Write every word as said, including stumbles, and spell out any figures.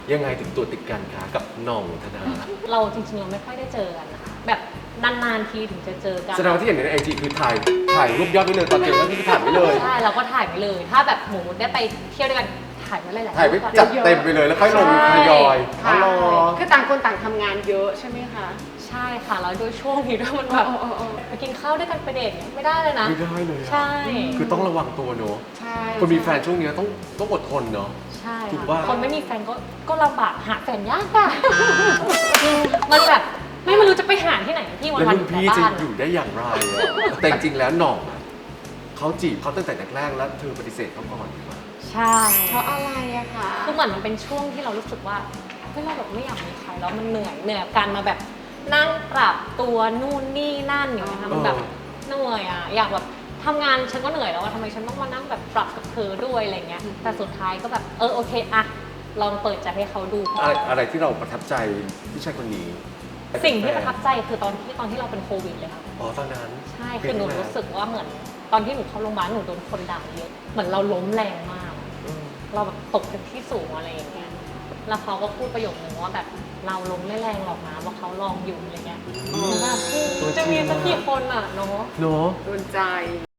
ยังไงถึงตัวติดกันคะกับหน่องธนาเราจริงๆเราไม่ค่อยได้เจอกันนะคะแบบนานๆทีถึงจะเจอกันแสดงว่าที่เห็นในไอจีคือถ่ายถ่ายรูปยอดไว้เลยตอนเจอก็คือถ่ายไว้เลยใช่เราก็ถ่ายไปเลย ถ้าแบบหมูได้ไปเที่ยวด้วยกันถ่ายไว้หลายๆถ่ายไว้รูปก่อนจัดเต็มไปเลยแล้วค่อยลงทยอยค่ะอ๋อเหรอคือต่างคนต่างทำงานเยอะใช่ไหมคะใช่ค่ะแล้วโดยช่วงนี้ด้วยมันแบบเออเออเออไปกินข้าวด้วยกันไปเดทเนี่ยไม่ได้เลยนะไม่ได้เลยอะใช่คือต้องระวังตัวเนอะใช่คนมีแฟนช่วงเนี้ยต้องต้องอดทนเนอะใช่ถูกค่ะว่าคนไม่มีแฟนก็ก็ลำบากหาแฟนยากอะมันแบบไม่รู้จะไปหาที่ไหนพี่วันแล้ววันรุ่อน ยู่แต่พี่จะบ้านอยู่ได้อย่างไรอะแต่จริงๆแล้วหน่องอะเขาจีบเขาตั้งแต่แรกๆแล้วเธอปฏิเสธเขาก่อนดีกว่าใช่เพราะอะไรอะคะคือเหมือนมันเป็นช่วงที่เรารู้สึกว่าเฮ้ยเราแบบไม่อยากมีใครแล้วมันเหนื่อยเหนื่อยกับการมาแบบนั่งปรับตัวนู่นนี่นั่นอย่างเงี้ยค่ะมันแบบเหนื่อยอะอยากแบบทำงานฉันก็เหนื่อยแล้วว่าทำไมฉันต้องมานั่งแบบปรับกับเธอด้วยอะไรเงี้ยแต่สุดท้ายก็แบบเออโอเคอะลองเปิดใจให้เขาดูอะไรอะไรที่เราประทับใจผู้ชายคนนี้สิ่งที่ประทับใจคือตอนที่ตอนที่เราเป็นโควิดเลยค่ะอ๋อตอนนั้นใช่คือหนูรู้สึกว่าเหมือนตอนที่หนูเข้าโรงพยาบาลหนูโดนคนด่าเยอะเหมือนเราล้มแรงมากอืมเราแบบตกจากที่สูงอะไรอย่างเงี้ยแล้วเขาก็พูดประโยคนึงว่าแบบเราล้มไม่แรงหรอกนะว่าเขาลองอยู่อะไรเงี้ยอืมแบบจะมีสักกี่คนอ่ะเนาะเนอะโดนใจ